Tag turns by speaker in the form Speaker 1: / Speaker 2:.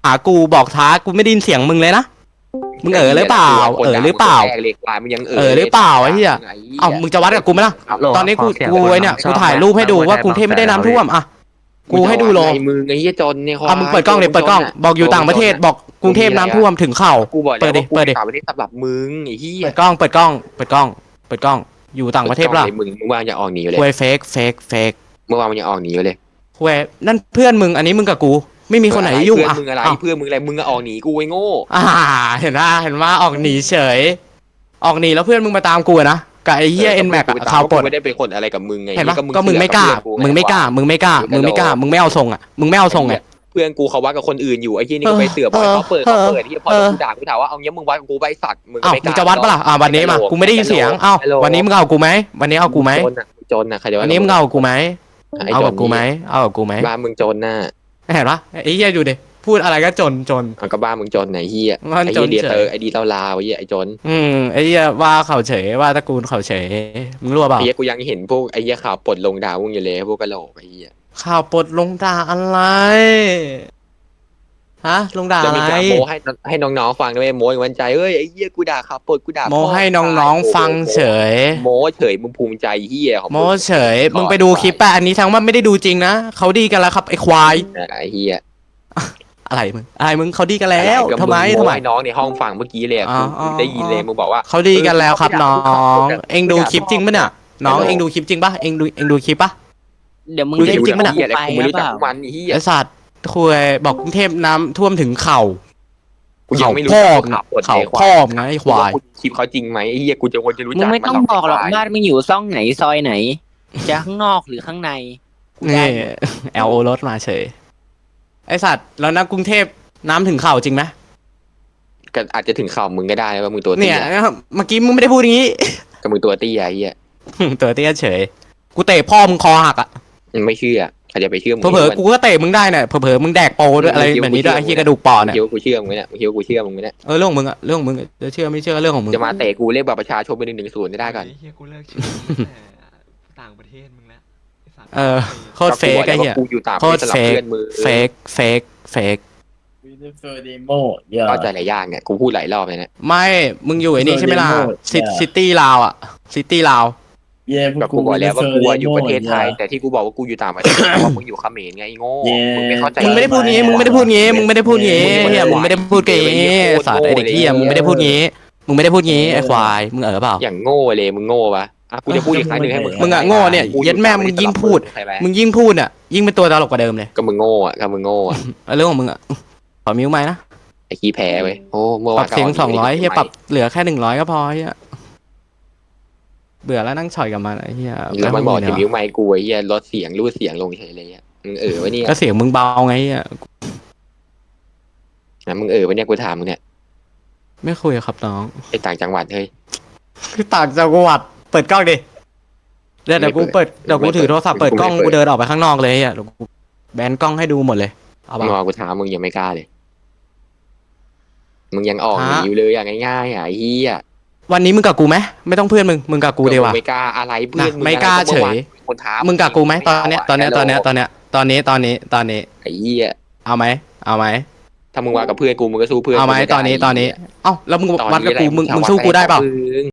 Speaker 1: หากูบอกท้ากูไม่ได้ยินเสียงมึงเลยนะมึงหรือเปล่าหรือเปล่า
Speaker 2: เล็กลายมึงยัง
Speaker 1: หรือเปล่าไอ้เหี้ยเอ้ามึงจะวัดกับกูไหมล่ะตอนนี้กูไอ้เนี่ยกูถ่ายรูปให้ดูว่ากรุงเทพไม่ได้น้ำท่วมอ่ะกูให้ดูโล
Speaker 2: มึงไอ้เหี้ยจนเนี่ย
Speaker 1: มึงเปิดกล้องเดี๋ยวเปิดกล้องบอกอยู่ต่างประเทศบอกกรุงเทพน้ำท่วมถึงเข่า
Speaker 2: กูบอกแล้ว
Speaker 1: เปิดดิ
Speaker 2: ต่างประเทศสำหรับมึงไอ้เหี้ย
Speaker 1: เปิดกล้องอยู่ต่างประเทศล่ะ
Speaker 2: มึงวางอย่าออกหนีเลย
Speaker 1: คุยเฟก
Speaker 2: เมื่อวานมันยังออกหนีเลย
Speaker 1: คุยนั่นเพื่อนมึงอันนี้มึงกับกูไม่มีคนไหนยุ่งอ่ะ
Speaker 2: เพื่อนมึงอะไรเพื่อนมึงอะไรมึงก็ออกหนีกูไอ้โง่
Speaker 1: เห็นว่าออกหนีเฉยออกหนีแล้วเพื่อนมึงมาตามกูนะกับไอ้เหี้ยเอ็นแม็กข่าวปลด
Speaker 2: ไม่ได้เป็นคนอะไรกับมึงไง
Speaker 1: เห็นปะก็มึงไม่กล้ามึงไม่เอาทรงอ่ะมึงไม่เอาทรงอ่ะ
Speaker 2: เพื่อนกูเขาวัดกับคนอื่นอยู่ไอ้ที่นี่ก็ไปเสือกบอกเขาเปิดที่พอกูด่ากูถามว่าเอางี้มึงวัดกับกูไปสัตว์มึงไม่กล้า
Speaker 1: มึงจะวัดปะล่ะวันนี้มากูไม่ได้ยินเสียงวันนี้มึงเอากูไหมวันนี้เอากูไหม
Speaker 2: จนนะใครจะ
Speaker 1: วันนี้มึงเอากูไหมเอากับกูไหม
Speaker 2: บ้านมึงจนน่ะ
Speaker 1: เห็นปะไอ้เหี้ยอยู่ดิพูดอะไรก็จน
Speaker 2: ก็บ้านมึงจนไหนเหี้ยไอ้เดียเตอร์ไอ้ดีลาวไอ้เหี้ยไอ้จน
Speaker 1: ไอ้เหี้ยว่าเขาเฉยว่าตระกูลเขาเฉยมึงรู้ป่ะ
Speaker 2: ไอ้เหี้ยกูยังเห็นพวกไอ้เหี้ยข่าวปลดลงดาวมึงอยู่เลยพวกกะโหลกไอ้เหี้ย
Speaker 1: ข่าวปลดลงด่าอะไรฮะลงด่าอะไร
Speaker 2: โมให้น้องๆฟังด้วยโมอย่างวันใจเอ้ยไอ้เหี้ยกูด่าข่าวปลดกูด่า
Speaker 1: โมให้น้องๆฟังเฉย
Speaker 2: โมเฉยมึงภูมิใจเหี้ย
Speaker 1: โมเฉยมึงไปดูคลิปอันนี้ทั้งว่าไม่ได้ดูจริงนะเขาดีกันแล้วครับไอ้ควาย
Speaker 2: ไอ้เหี้ย
Speaker 1: อะไรมึงเขาดีกันแล้วทำไม
Speaker 2: น้องในห้องฟังเมื่อกี้เลยได้ยินเลยมึงบอกว่า
Speaker 1: เขาดีกันแล้วครับน้องเอ็งดูคลิปจริงปะเนี่ยน้องเอ็งดูคลิปจริงปะเอ็งดูคลิปปะ
Speaker 3: เดี๋ยวมึง
Speaker 2: ดู
Speaker 3: จริงปะเนี่ย
Speaker 2: กูไม่รู้จักมัน
Speaker 1: ไอ้สัตว์คุยบอกกรุงเทพน้ำท่วมถึงเข่า
Speaker 2: กูยังไม่รู้
Speaker 1: เขาพ่อมไงไอ้ควาย
Speaker 2: คลิปเขาจริงไหมไอ้เหี้ยกูจะควรจะรู้จัก
Speaker 3: มึงไม่ต้องบอกหรอกบ้านมึงอยู่ซ่องไหนซอยไหนจะข้างนอกหรือข้างใน
Speaker 1: นี่LO รถมาเฉยไอ้สัตว์แล้วนะกรุงเทพน้ำถึงเข่าจริงไหม
Speaker 2: ก็อาจจะถึงเข่ามึงก็ได้ว่ามึงตัวเตี้ย
Speaker 1: เนี่ยเมื่อกี้มึงไม่ได้พูดอย่างนี้
Speaker 2: ก็มึงตัวเตี้ยไอ้เหี้ย
Speaker 1: ตัวเตี้ยเฉยกูเตะพ่อมึงคอหักอ่ะ
Speaker 2: ไม่เชื่อใครจะไปเชื่อมึง
Speaker 1: เผลอกูก็เตะมึงได้เนี่ยเผลอมึงแดกโปด้วยอะไรแบบนี้ด้วยไอ้เหี้ยกระดูกปอดเนี่ย
Speaker 2: กูเชื่อมึงเนี่ยมึงคิดว่ากูเชื่อมึงไหมเนี่ย
Speaker 1: เรื่องมึงอะเรื่องมึงจะเชื่อไม่เชื่อเรื่องของมึง
Speaker 2: จะมาเตะกูเรียกบัตรประชาชนไป110ได้ก่อน
Speaker 4: เฮียกูเลิกเชื่อต่างประเทศมึงแล้ว
Speaker 1: โคตรเฟกไอ้เหี้ยโคตรเฟก
Speaker 2: เข้าใจหลายอย่างเนี่ยกูพูดหลายรอบเลยเนี่ย
Speaker 1: ไม่มึงอยู่ไอ้นี่ใช่ไหมล่ะซิตี้ลาวอ่ะซิตี้ลาว
Speaker 2: ก็กูบอกแล้วว่ากูอยู่ประเทศไทยแต่ที่กูบอกว่ากูอยู่ต่างประเทศเพราะมึงอยู่เขมรไงโง่มึงไม่เข้าใจ
Speaker 1: มึงไม่ได้พูดงี้มึงไม่ได้พูดงี้เฮียมึงไม่ได้พูดงี้สัตว์ไอเด็กเฮียมึงไม่ได้พูดงี้ไอควายมึงเปล่า
Speaker 2: อย่างโง่เลยมึงโง่ปะกูจะพูดอีกครั้งหนึ่งให้
Speaker 1: มึงอะโง่เนี่ยยัดแม่มึงยิ่งพูดเนี่ยยิ่งเป็นตัวตลกกว่าเดิมเลย
Speaker 2: ก็มึงโง่อะก็มึงโง่อะ
Speaker 1: เรื่องของมึงอะขอมิ้วไหมนะ
Speaker 2: ไอ้ขี้แพ้ไปโอ้เมื่อวาน
Speaker 1: ปรับเสียง200เฮียปรับเหลือแค่100ก็พอเฮียเบื่อแล้วนั่งฉ่อยกับมันไอ้เหี้ย
Speaker 2: แล้วมันบอกจะมิ้วไมค์กูไอ้เหี้ยลดเสียงรูดเสียงลงเฉยเลยอ่ะมึงวะเนี่ย
Speaker 1: ก็เสียงมึงเบาไงอ่ะ
Speaker 2: มึงวะเนี่ยกูถามมึงเนี่ย
Speaker 1: ไม่คุยครับน้อง
Speaker 2: ไอ้ต่างจังหวัดเฮ้ย
Speaker 1: คือต่างจังหวัดเปิดกล้องดิเดี๋ยวกูถือโทรศัพท์เปิดกล้องกูเดินออกไปข้างนอกเลยอ่ะเดี๋ยวกูแบนกล้องให้ดูหมดเลย
Speaker 2: เอาบ้างกูถามมึงยังไม่กล้าเลยมึงยังออกหนีอยู่เลยอย่างง่ายๆอ่ะไอ้เหี้ย
Speaker 1: วันนี้มึงกับกูไหมไม่ต้องเพื่อนมึงกับกูเดียวว่ะ
Speaker 2: ไม่กล้าอะไรเพื่อน
Speaker 1: ไม่กล้าเฉยมึงกับกูไหมตอนเนี้ย
Speaker 2: ไอ้เหี้ย
Speaker 1: เอาไหม
Speaker 2: ถ้ามึงว่ากับเพื่อนกูมึงก็สู้เพื่อน
Speaker 1: เอาไหมตอนนี้เอ้าแล้วมึงวัดกับกูมึงสู้กูได้เปล่า